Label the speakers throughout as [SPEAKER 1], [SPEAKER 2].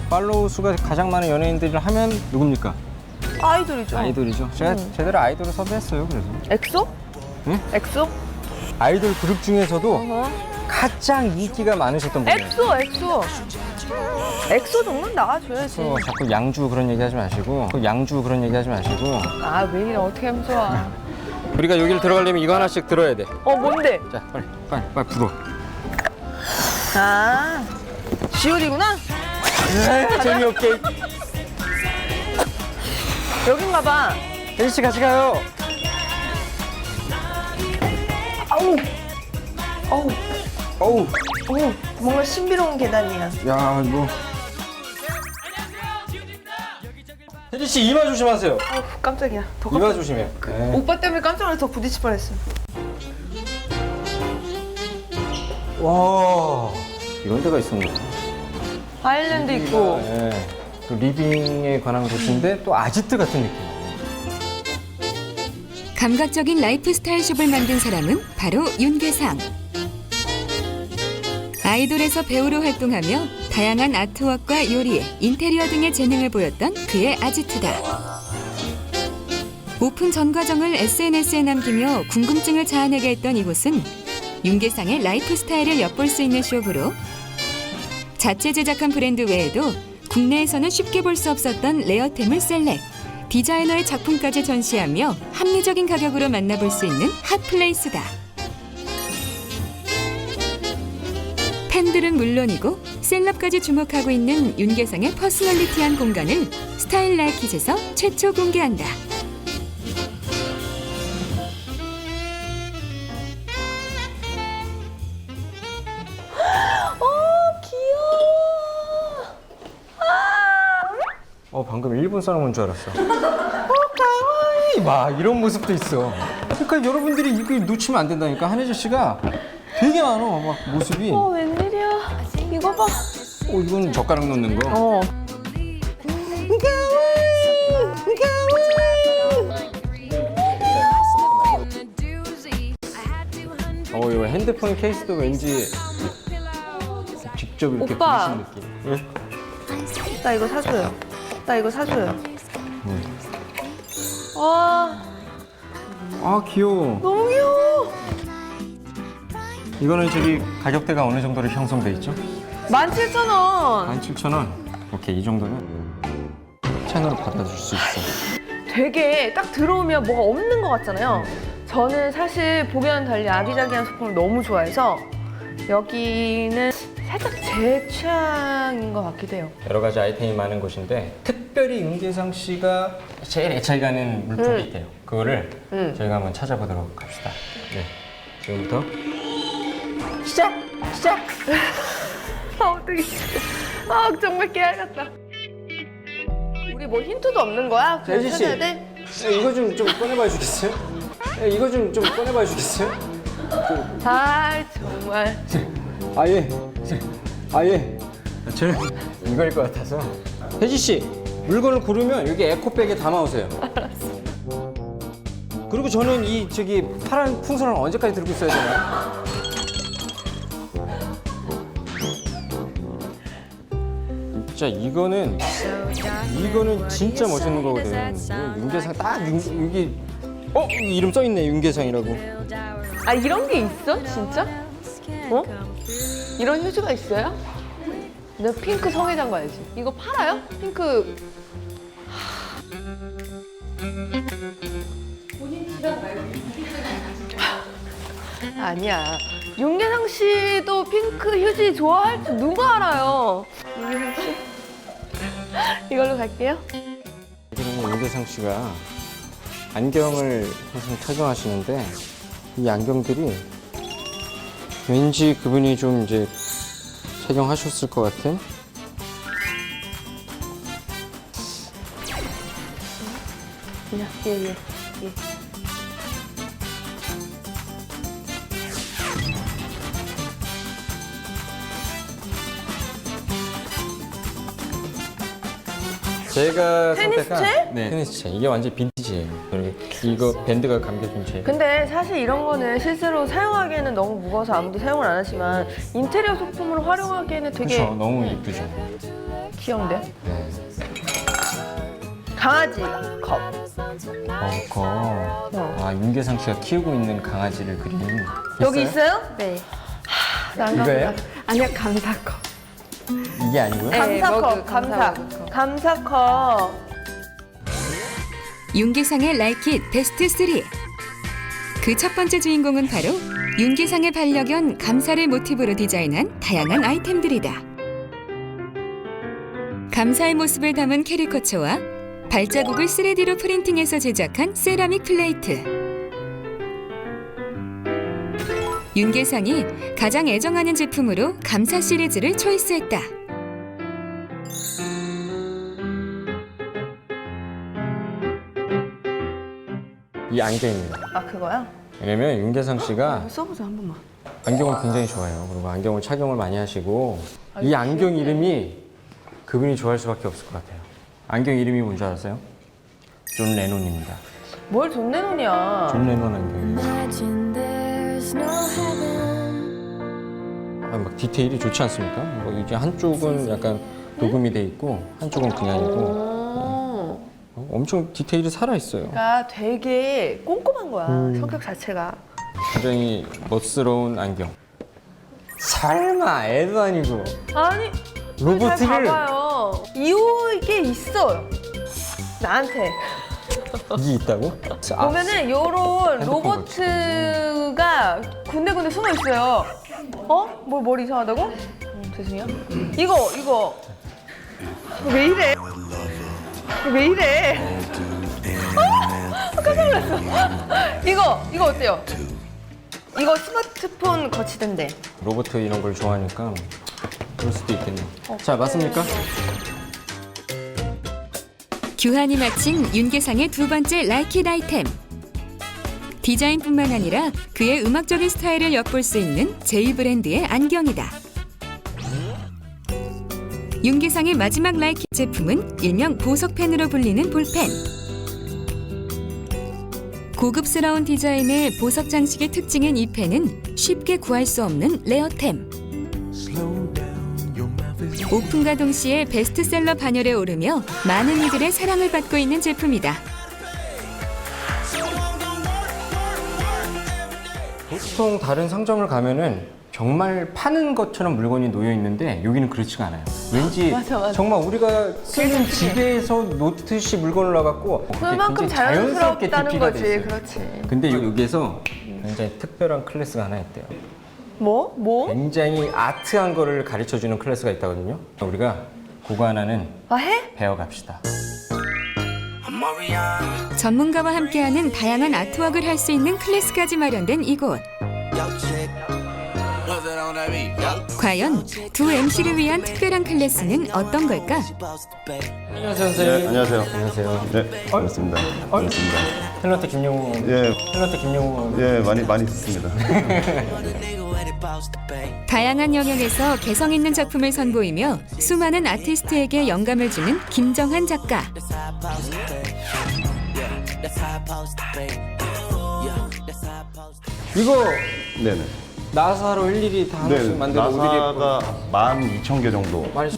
[SPEAKER 1] 팔로우 수가 가장 많은 연예인들을 하면 누굽니까?
[SPEAKER 2] 아이돌이죠.
[SPEAKER 1] 아이돌이죠. 제가 제대로 아이돌을 섭외했어요. 그래서
[SPEAKER 2] 엑소?
[SPEAKER 1] 응?
[SPEAKER 2] 엑소?
[SPEAKER 1] 아이돌 그룹 중에서도
[SPEAKER 2] 어허.
[SPEAKER 1] 가장 인기가 많으셨던 분이에요.
[SPEAKER 2] 엑소. 엑소 정도는 나가줘야지.
[SPEAKER 1] 그래서 자꾸 양주 그런 얘기 하지 마시고
[SPEAKER 2] 아, 왜 이래, 어떻게 하면 좋아.
[SPEAKER 1] 우리가 여기를 들어가려면 이거 하나씩 들어야 돼.
[SPEAKER 2] 뭔데?
[SPEAKER 1] 자, 빨리 불어.
[SPEAKER 2] 아, 지오디구나?
[SPEAKER 1] 재미없게.
[SPEAKER 2] 여긴가 봐.
[SPEAKER 1] 혜지 씨 같이 가요. 어우.
[SPEAKER 2] 뭔가 신비로운 계단이야.
[SPEAKER 1] 야, 이거. 혜지 씨 이마 조심하세요.
[SPEAKER 2] 깜짝이야. 더
[SPEAKER 1] 이마 조심해요. 네.
[SPEAKER 2] 오빠 때문에 깜짝 놀라서 더 부딪힐 뻔했어.
[SPEAKER 1] 와, 이런 데가 있었네.
[SPEAKER 2] 아일랜드 있고.
[SPEAKER 1] 네. 또 리빙에 관한 곳인데 또 아지트 같은 느낌.
[SPEAKER 3] 감각적인 라이프 스타일 숍을 만든 사람은 바로 윤계상. 아이돌에서 배우로 활동하며 다양한 아트웍과 요리, 인테리어 등의 재능을 보였던 그의 아지트다. 오픈 전 과정을 SNS에 남기며 궁금증을 자아내게 했던 이곳은 윤계상의 라이프 스타일을 엿볼 수 있는 숍으로 자체 제작한 브랜드 외에도 국내에서는 쉽게 볼 수 없었던 레어템을 셀렉, 디자이너의 작품까지 전시하며 합리적인 가격으로 만나볼 수 있는 핫플레이스다. 팬들은 물론이고 셀럽까지 주목하고 있는 윤계상의 퍼스널리티한 공간을 스타일 라이킷에서 최초 공개한다.
[SPEAKER 1] 방금 일본 사람 온 줄 알았어. 가와이 막 이런 모습도 있어. 그러니까 여러분들이 이거 놓치면 안 된다니까. 한혜주 씨가 되게 많어. 막 모습이.
[SPEAKER 2] 웬일이야. 이거 봐.
[SPEAKER 1] 이건 젓가락 넣는 거. 이거 핸드폰 케이스도 왠지 직접 이렇게
[SPEAKER 2] 오빠.
[SPEAKER 1] 부르신 느낌. 예?
[SPEAKER 2] 나 이거 사줘요. 와,
[SPEAKER 1] 귀여워.
[SPEAKER 2] 너무 귀여워.
[SPEAKER 1] 이거는 저기 가격대가 어느 정도로 형성돼 있죠?
[SPEAKER 2] 17,000원.
[SPEAKER 1] 17,000원. 오케이, 이 정도면 채널 받아줄 수 있어.
[SPEAKER 2] 되게 딱 들어오면 뭐가 없는 것 같잖아요. 저는 사실 보기와는 달리 아기자기한 소품을 너무 좋아해서 여기는 살짝 제 취향인 것 같기도 해요.
[SPEAKER 1] 여러 가지 아이템이 많은 곳인데 특별히 윤계상 씨가 제일 애착이 가는 물품이 있대요. 그거를 저희가 한번 찾아보도록 합시다. 네, 지금부터
[SPEAKER 2] 시작! 어떡해. 정말 깨알 같다. 우리 뭐 힌트도 없는 거야? 그냥
[SPEAKER 1] 혜지 씨.
[SPEAKER 2] 찾아야 돼?
[SPEAKER 1] 이거 좀 꺼내봐 주겠어요? 이거 좀 꺼내봐 주겠어요?
[SPEAKER 2] 정말.
[SPEAKER 1] 아예 저는 이거일 것 같아서. 혜지 씨, 물건을 고르면 여기 에코백에 담아오세요. 알았어. 그리고 저는 이 파란 풍선을 언제까지 들고 있어야 되나요? 진짜 이거는 진짜 멋있는 거거든. 윤계상 딱 여기 이름 써 있네, 윤계상이라고.
[SPEAKER 2] 아, 이런 게 있어? 진짜? 이런 휴지가 있어요? 내가 핑크 성애장 가야지. 이거 팔아요? 핑크. 본인 집안 말고. 아니야. 윤계상 씨도 핑크 휴지 좋아할 줄 누가 알아요? 윤계상 씨. 이걸로 갈게요.
[SPEAKER 1] 그러면 윤계상 씨가 안경을 항상 착용하시는데 이 안경들이 왠지 그분이 좀 이제 착용하셨을 것 같은.
[SPEAKER 2] 예.
[SPEAKER 1] 제가
[SPEAKER 2] 테니스 채?
[SPEAKER 1] 네, 테니스 채. 이게 완전 빈티지예요. 이거 밴드가 감겨진 채.
[SPEAKER 2] 근데 사실 이런 거는 실제로 사용하기에는 너무 무거워서 아무도 사용을 안 하지만 인테리어 소품으로 활용하기에는 되게
[SPEAKER 1] 그렇죠. 너무 이쁘죠.
[SPEAKER 2] 귀여운데요?
[SPEAKER 1] 네.
[SPEAKER 2] 강아지 컵.
[SPEAKER 1] 아, 윤계상 씨가 키우고 있는 강아지를 그린.
[SPEAKER 2] 여기 있어요?
[SPEAKER 4] 네.
[SPEAKER 1] 이거예요?
[SPEAKER 4] 아니요, 감사컵.
[SPEAKER 1] 이게 아니고요?
[SPEAKER 4] 네,
[SPEAKER 2] 감사컵,
[SPEAKER 4] 머그,
[SPEAKER 2] 감사.
[SPEAKER 4] 머그컵.
[SPEAKER 2] 감사컵.
[SPEAKER 3] 윤계상의 라이킷 베스트 3. 그 첫 번째 주인공은 바로 윤계상의 반려견 감사를 모티브로 디자인한 다양한 아이템들이다. 감사의 모습을 담은 캐리커처와 발자국을 3D로 프린팅해서 제작한 세라믹 플레이트. 윤계상이 가장 애정하는 제품으로 감사 시리즈를 초이스했다.
[SPEAKER 1] 이 안경입니다.
[SPEAKER 2] 아 그거야?
[SPEAKER 1] 왜냐면 윤계상 씨가
[SPEAKER 2] 써보자 한 번만.
[SPEAKER 1] 안경을 굉장히 좋아해요. 그리고 안경을 착용을 많이 하시고 이 안경 이름이 그분이 좋아할 수밖에 없을 것 같아요. 안경 이름이 뭔지 알았어요? 존 레논입니다.
[SPEAKER 2] 뭘 존 레논이야?
[SPEAKER 1] 존 레논 안경이에요.
[SPEAKER 5] Imagine there's no heaven.
[SPEAKER 1] 아, 막 디테일이 좋지 않습니까? 뭐 이게 한쪽은 약간 녹음이 돼 있고 한쪽은 그냥이고 엄청 디테일이 살아 있어요.
[SPEAKER 2] 그러니까 되게 꼼꼼한 거야 성격 자체가.
[SPEAKER 1] 굉장히 멋스러운 안경. 설마 애도 아니고
[SPEAKER 2] 아니
[SPEAKER 1] 로봇을
[SPEAKER 2] 잘 봐봐요. 이게 있어요. 나한테
[SPEAKER 1] 이게 있다고? 아,
[SPEAKER 2] 보면은 요런
[SPEAKER 1] 핸드폰
[SPEAKER 2] 로봇가 군데군데 숨어 있어요. 어? 뭘 이상하다고? 죄송해요. 이거 왜 이래? 왜 이래? 깜짝 놀랐어. 이거 어때요? 이거 스마트폰 거치던데.
[SPEAKER 1] 로봇 이런 걸 좋아하니까 그럴 수도 있겠네요. 자, 맞습니까?
[SPEAKER 3] 규환이 마친 윤계상의 두 번째 라이킷 아이템. 디자인뿐만 아니라 그의 음악적인 스타일을 엿볼 수 있는 제이 브랜드의 안경이다. 윤계상의 마지막 라이킷 제품은 일명 보석펜으로 불리는 볼펜. 고급스러운 디자인의 보석 장식의 특징인 이 펜은 쉽게 구할 수 없는 레어템. 오픈과 동시에 베스트셀러 반열에 오르며 많은 이들의 사랑을 받고 있는 제품이다.
[SPEAKER 1] 보통 다른 상점을 가면은 정말 파는 것처럼 물건이 놓여 있는데 여기는 그렇지가 않아요. 왠지
[SPEAKER 2] 맞아.
[SPEAKER 1] 정말 우리가 쓰는 집에서 놓듯이 물건을 놔갖고
[SPEAKER 2] 그만큼
[SPEAKER 1] 굉장히
[SPEAKER 2] 자연스럽다는
[SPEAKER 1] DP가
[SPEAKER 2] 거지.
[SPEAKER 1] 돼 있어요.
[SPEAKER 2] 그렇지.
[SPEAKER 1] 근데 여기에서 굉장히 특별한 클래스가 하나 있대요.
[SPEAKER 2] 뭐?
[SPEAKER 1] 굉장히 아트한 거를 가르쳐주는 클래스가 있다거든요. 우리가 그거 하나는
[SPEAKER 2] 아 해?
[SPEAKER 1] 배워갑시다.
[SPEAKER 3] 전문가와 함께하는 다양한 아트웍을 할 수 있는 클래스까지 마련된 이곳. 과연 두 MC를 위한 특별한 클래스는 어떤 걸까?
[SPEAKER 1] 안녕하세요, 선생님.
[SPEAKER 6] 네, 안녕하세요.
[SPEAKER 1] 안녕하세요.
[SPEAKER 6] 네, 반갑습니다. 반갑습니다.
[SPEAKER 1] 탤런트 김용우.
[SPEAKER 6] 예,
[SPEAKER 1] 탤런트 김용우.
[SPEAKER 6] 예, 많이 듣습니다.
[SPEAKER 3] 다양한 영역에서 개성 있는 작품을 선보이며 수많은 아티스트에게 영감을 주는 김정한 작가.
[SPEAKER 1] 이거
[SPEAKER 6] 네네.
[SPEAKER 1] 나사로 일일이 다 하나씩
[SPEAKER 6] 네,
[SPEAKER 1] 만들어
[SPEAKER 6] 나사가 12,000개 정도.
[SPEAKER 1] 많이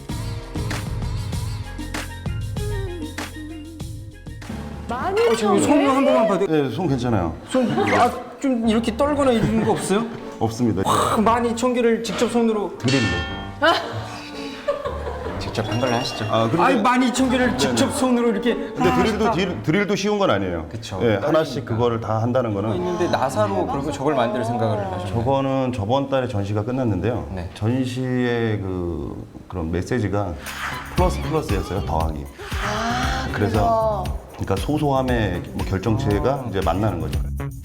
[SPEAKER 2] 많이
[SPEAKER 1] 지금 손 한 번만 봐도
[SPEAKER 6] 네, 손 괜찮아요.
[SPEAKER 1] 좀 이렇게 떨거나 이러는 거 없어요?
[SPEAKER 6] 없습니다.
[SPEAKER 1] 12,000개를 직접 손으로
[SPEAKER 6] 드릴로.
[SPEAKER 1] 직접 한 걸로 하시죠.
[SPEAKER 6] 아, 근데-
[SPEAKER 1] 아니 12,000개를 직접 손으로 이렇게
[SPEAKER 6] 근데 드릴도 쉬운 건 아니에요.
[SPEAKER 1] 그쵸.
[SPEAKER 6] 예, 하나씩 그거를 다 한다는 거는.
[SPEAKER 1] 있는데 나사로 그리고 저걸 만들 생각을 하셨나요?
[SPEAKER 6] 저거는 저번 달에 전시가 끝났는데요.
[SPEAKER 1] 네.
[SPEAKER 6] 전시의 그런 메시지가 플러스였어요. 더하기. 그래서 그러니까 소소함의 뭐 결정체가 이제 만나는 거죠.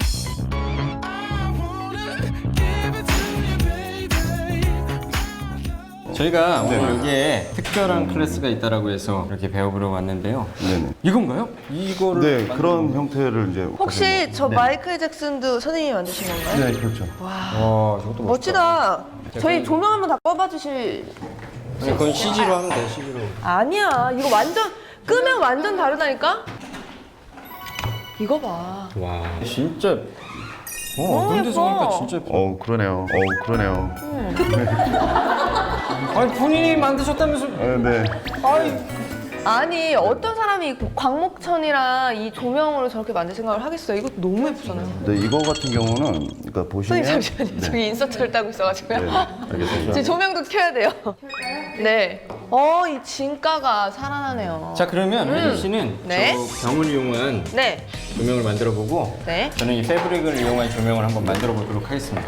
[SPEAKER 1] 저희가 오늘 여기에 특별한 클래스가 있다라고 해서 이렇게 배워보러 왔는데요.
[SPEAKER 6] 네네.
[SPEAKER 1] 이건가요? 이거를
[SPEAKER 6] 네,
[SPEAKER 1] 만드는
[SPEAKER 6] 그런
[SPEAKER 1] 거예요?
[SPEAKER 6] 형태를 이제.
[SPEAKER 2] 혹시 저 마이클 잭슨도 선생님이 만드신 건가요?
[SPEAKER 6] 네, 그렇죠.
[SPEAKER 1] 와, 저것도
[SPEAKER 2] 멋지다. 저희 조명 한번 다 꺼봐 주실.
[SPEAKER 1] 아니, 그건 CG로 하면 돼, CG로.
[SPEAKER 2] 아니야. 이거 완전 끄면 완전 다르다니까? 이거 봐.
[SPEAKER 1] 와 진짜
[SPEAKER 2] 너무
[SPEAKER 1] 그런 데서
[SPEAKER 2] 예뻐.
[SPEAKER 1] 보니까 진짜 예뻐.
[SPEAKER 6] 그러네요. 그러네요.
[SPEAKER 1] 아니 본인이 만드셨다면서.
[SPEAKER 6] 네.
[SPEAKER 2] 아니 어떤 사람이 광목천이랑 이 조명으로 저렇게 만들 생각을 하겠어요? 이거 너무 예쁘잖아요.
[SPEAKER 6] 근데 이거 같은 경우는 그러니까 보시면
[SPEAKER 2] 선생님 잠시만요. 저기 인서트를 따고 있어가지고요.
[SPEAKER 6] 네, 알겠습니다.
[SPEAKER 2] 지금 조명도 켜야 돼요. 네. 이 진가가 살아나네요.
[SPEAKER 1] 자 그러면 혜지 씨는
[SPEAKER 2] 네.
[SPEAKER 1] 저 병을 이용한
[SPEAKER 2] 네.
[SPEAKER 1] 조명을 만들어 보고
[SPEAKER 2] 네.
[SPEAKER 1] 저는 이 패브릭을 이용한 조명을 한번 만들어 보도록 하겠습니다.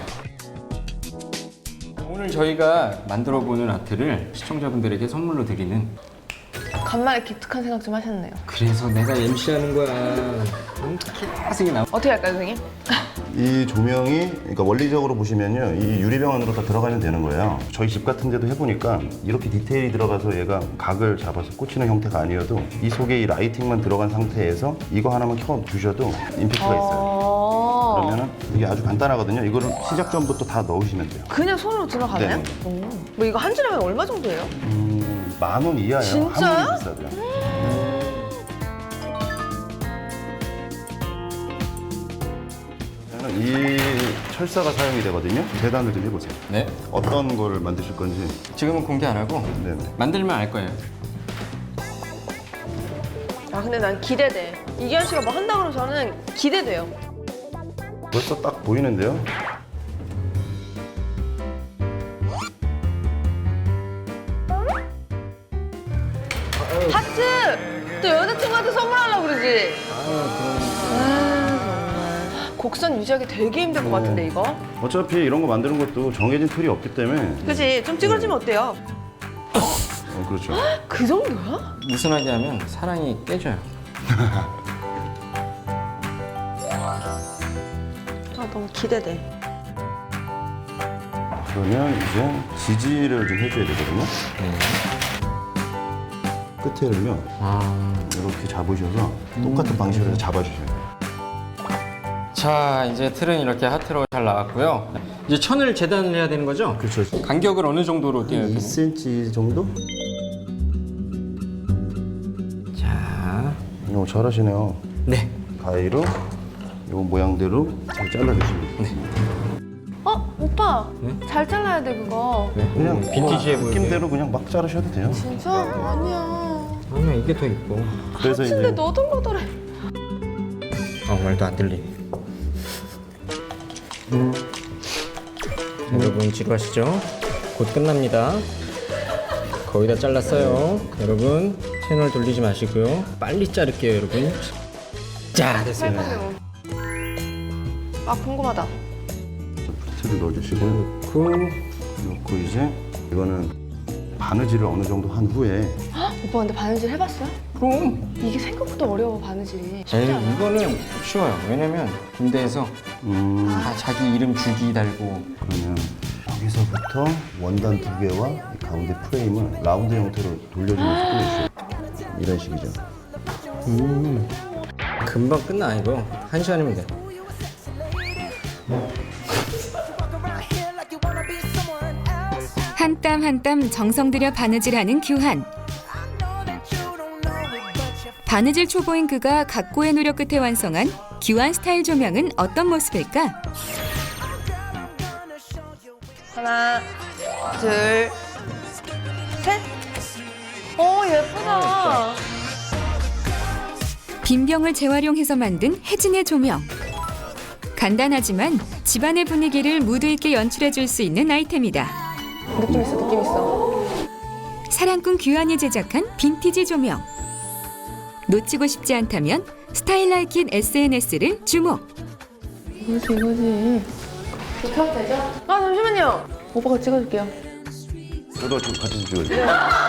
[SPEAKER 1] 오늘 저희가 만들어 보는 아트를 시청자분들에게 선물로 드리는.
[SPEAKER 2] 간만에 기특한 생각 좀 하셨네요.
[SPEAKER 1] 그래서 내가 MC하는 거야. 계속 나.
[SPEAKER 2] 어떻게 할까요, 선생님?
[SPEAKER 6] 이 조명이 그러니까 원리적으로 보시면요, 이 유리병 안으로 다 들어가면 되는 거예요. 저희 집 같은 데도 해보니까 이렇게 디테일이 들어가서 얘가 각을 잡아서 꽂히는 형태가 아니어도 이 속에 이 라이팅만 들어간 상태에서 이거 하나만 켜 주셔도 임팩트가 있어요. 그러면은 이게 아주 간단하거든요. 이거를 시작 전부터 다 넣으시면 돼요.
[SPEAKER 2] 그냥 손으로 들어가나요?
[SPEAKER 6] 네.
[SPEAKER 2] 뭐 이거 한 줄에 얼마 정도예요?
[SPEAKER 6] 10,000원 이하예요.
[SPEAKER 2] 진짜요?
[SPEAKER 6] 아무리 비싸도요. 저는 이 철사가 사용이 되거든요. 재단을 좀 해보세요.
[SPEAKER 1] 네.
[SPEAKER 6] 어떤 거를 만드실 건지.
[SPEAKER 1] 지금은 공개 안 하고
[SPEAKER 6] 네네.
[SPEAKER 1] 만들면 알 거예요.
[SPEAKER 2] 근데 난 기대돼. 이기현 씨가 뭐 한다 그러면 저는 기대돼요.
[SPEAKER 6] 벌써 딱 보이는데요.
[SPEAKER 2] 하트! 또 여자친구한테 선물하려고 그러지? 정말. 곡선 유지하기 되게 힘들 것 같은데, 이거?
[SPEAKER 6] 어차피 이런 거 만드는 것도 정해진 틀이 없기 때문에.
[SPEAKER 2] 그치? 좀 찌그러지면 어때요?
[SPEAKER 6] 그렇죠.
[SPEAKER 2] 그 정도야?
[SPEAKER 1] 느슨하게 하면 사랑이 깨져요.
[SPEAKER 2] 너무 기대돼.
[SPEAKER 6] 그러면 이제 지지를 좀 해줘야 되거든요. 끝에를요, 이렇게 잡으셔서 똑같은 방식으로 해서 잡아주셔야 돼요.
[SPEAKER 1] 자 이제 틀은 이렇게 하트로 잘 나왔고요. 이제 천을 재단을 해야 되는 거죠?
[SPEAKER 6] 그렇죠.
[SPEAKER 1] 간격을 어느 정도로 띄어야 되나요?
[SPEAKER 6] 2cm 정도?
[SPEAKER 1] 자,
[SPEAKER 6] 잘하시네요.
[SPEAKER 1] 네.
[SPEAKER 6] 가위로 이 모양대로 잘 잘라주시면 돼요.
[SPEAKER 2] 오빠.
[SPEAKER 1] 네?
[SPEAKER 2] 잘 잘라야 돼, 그거.
[SPEAKER 6] 그냥
[SPEAKER 1] 빈티지해 보이게.
[SPEAKER 6] 느낌대로 그냥 막 자르셔도 돼요.
[SPEAKER 2] 진짜? 아니야.
[SPEAKER 1] 아니야 이게 더 이뻐.
[SPEAKER 6] 그래서
[SPEAKER 2] 근데
[SPEAKER 6] 이제
[SPEAKER 2] 너덜너덜해.
[SPEAKER 1] 말도 안 들리. 여러분 지루하시죠? 곧 끝납니다. 거의 다 잘랐어요. 여러분 채널 돌리지 마시고요. 빨리 자를게요, 여러분. 자 됐습니다.
[SPEAKER 2] 궁금하다.
[SPEAKER 6] 틀을 넣어주시고 넣고 이제 이거는 바느질을 어느 정도 한 후에
[SPEAKER 2] 오빠 근데 바느질 해봤어요?
[SPEAKER 1] 그럼.
[SPEAKER 2] 이게 생각보다 어려워, 바느질이. 쉽지
[SPEAKER 1] 에이,
[SPEAKER 2] 않아.
[SPEAKER 1] 이거는 쉬워요. 왜냐면 군대에서 다 자기 이름 줄기 달고.
[SPEAKER 6] 그러면 여기서부터 원단 두 개와 이 가운데 프레임을 라운드 형태로 돌려주면서 꾸며주셔요. 이런 식이죠.
[SPEAKER 1] 금방 끝나 이거. 1시간이면 돼.
[SPEAKER 3] 한 땀 한 땀 정성 들여 바느질하는 규한. 바느질 초보인 그가 각고의 노력 끝에 완성한 규한 스타일 조명은 어떤 모습일까?
[SPEAKER 2] 하나, 둘, 셋. 오, 예쁘다.
[SPEAKER 3] 빈병을 재활용해서 만든 혜진의 조명. 간단하지만 집안의 분위기를 무드 있게 연출해 줄 수 있는 아이템이다.
[SPEAKER 2] 느낌 있어, 느낌 있어.
[SPEAKER 3] 사랑꾼 규한이 제작한 빈티지 조명. 놓치고 싶지 않다면 스타일라이킨 SNS를 주목.
[SPEAKER 2] 이거지. 켜도 되죠? 잠시만요. 오빠가 찍어줄게요.
[SPEAKER 6] 저도 좀 같이 찍어주세요.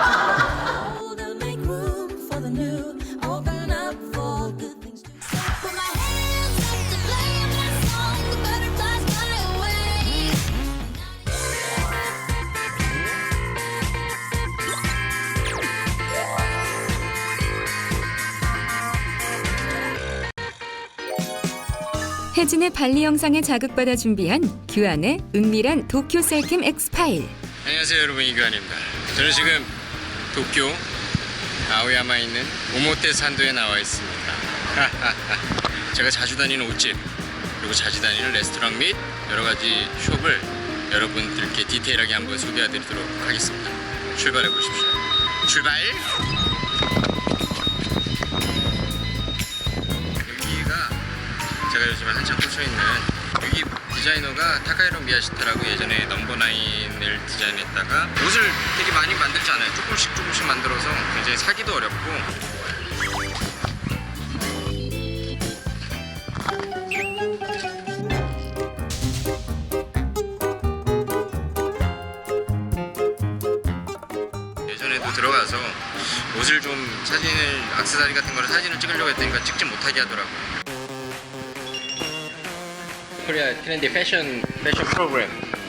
[SPEAKER 3] 혜진의 발리 영상에 자극받아 준비한 규한의 은밀한 도쿄 셀캠 X 파일.
[SPEAKER 1] 안녕하세요 여러분, 이규환입니다. 저는 지금 도쿄 아오야마에 있는 오모테 산도에 나와 있습니다. 제가 자주 다니는 옷집 그리고 자주 다니는 레스토랑 및 여러 가지 숍을 여러분들께 디테일하게 한번 소개해드리도록 하겠습니다. 출발해 보십시오. 출발! 여기가 제가 요즘에 한참 꽂혀있는 여기 디자이너가 타카히로 미야시타라고 예전에 넘버9을 디자인했다가 옷을 되게 많이 만들지 않아요. 조금씩 만들어서 굉장히 사기도 어렵고 예전에도 들어가서 옷을 좀 사진을 액세서리 같은 거를 사진을 찍으려고 했더니 찍지 못하게 하더라고요. 코리아 트렌디 패션 프로그램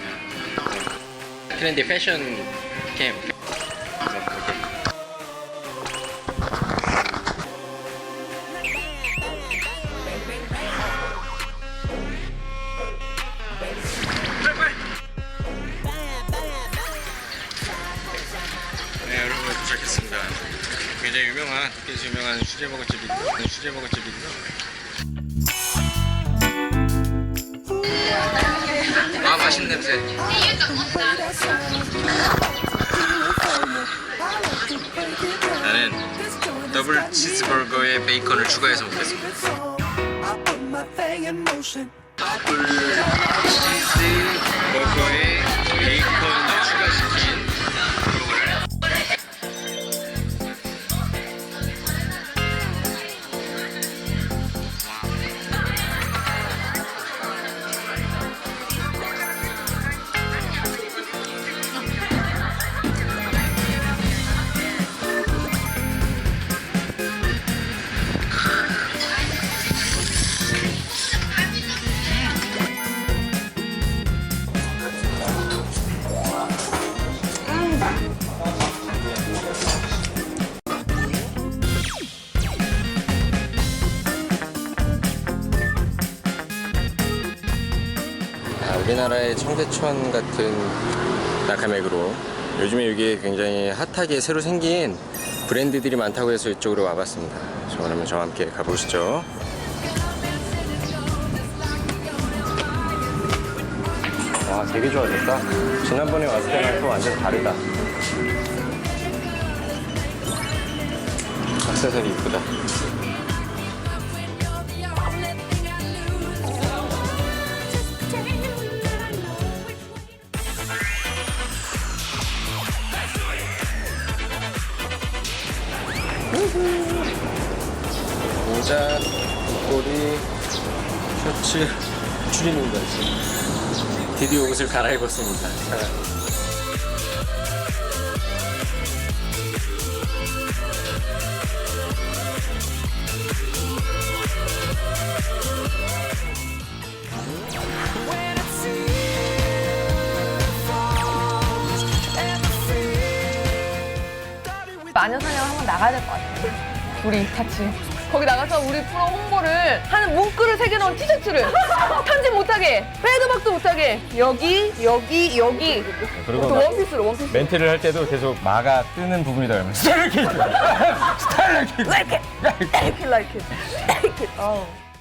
[SPEAKER 1] 트렌디 패션 캠 네 여러분 도착했습니다. 굉장히 유명한 도쿄에서 유명한 수제버거집이고요. 아 맛있는 냄새. 나는 더블 치즈버거에 베이컨을 추가해서 먹겠습니다. 더블 치즈버거에 베이컨 추가시킨 버거를 우리나라의 청계천 같은 나카메그로 요즘에 이게 굉장히 핫하게 새로 생긴 브랜드들이 많다고 해서 이쪽으로 와봤습니다. 그러면 저와 함께 가보시죠. 와 되게 좋아졌다. 지난번에 왔을 때랑 또 완전 다르다. 액세서리 이쁘다. 모자, 목걸이, 셔츠, 추리닝까지 드디어 옷을 갈아입었습니다.
[SPEAKER 2] 마녀사냥 한번 나가야 될 것 같아요. 우리 같이. 거기 나가서 우리 프로 홍보를 하는 문구를 새겨놓은 티셔츠를 편집 못하게, 패드박도 못하게 여기.
[SPEAKER 1] 그리고
[SPEAKER 2] 또 원피스로.
[SPEAKER 1] 멘트를 할 때도 계속 마가 뜨는 부분이다 그러면 스타일러키!
[SPEAKER 2] Like it. Like it. Like it. Like it.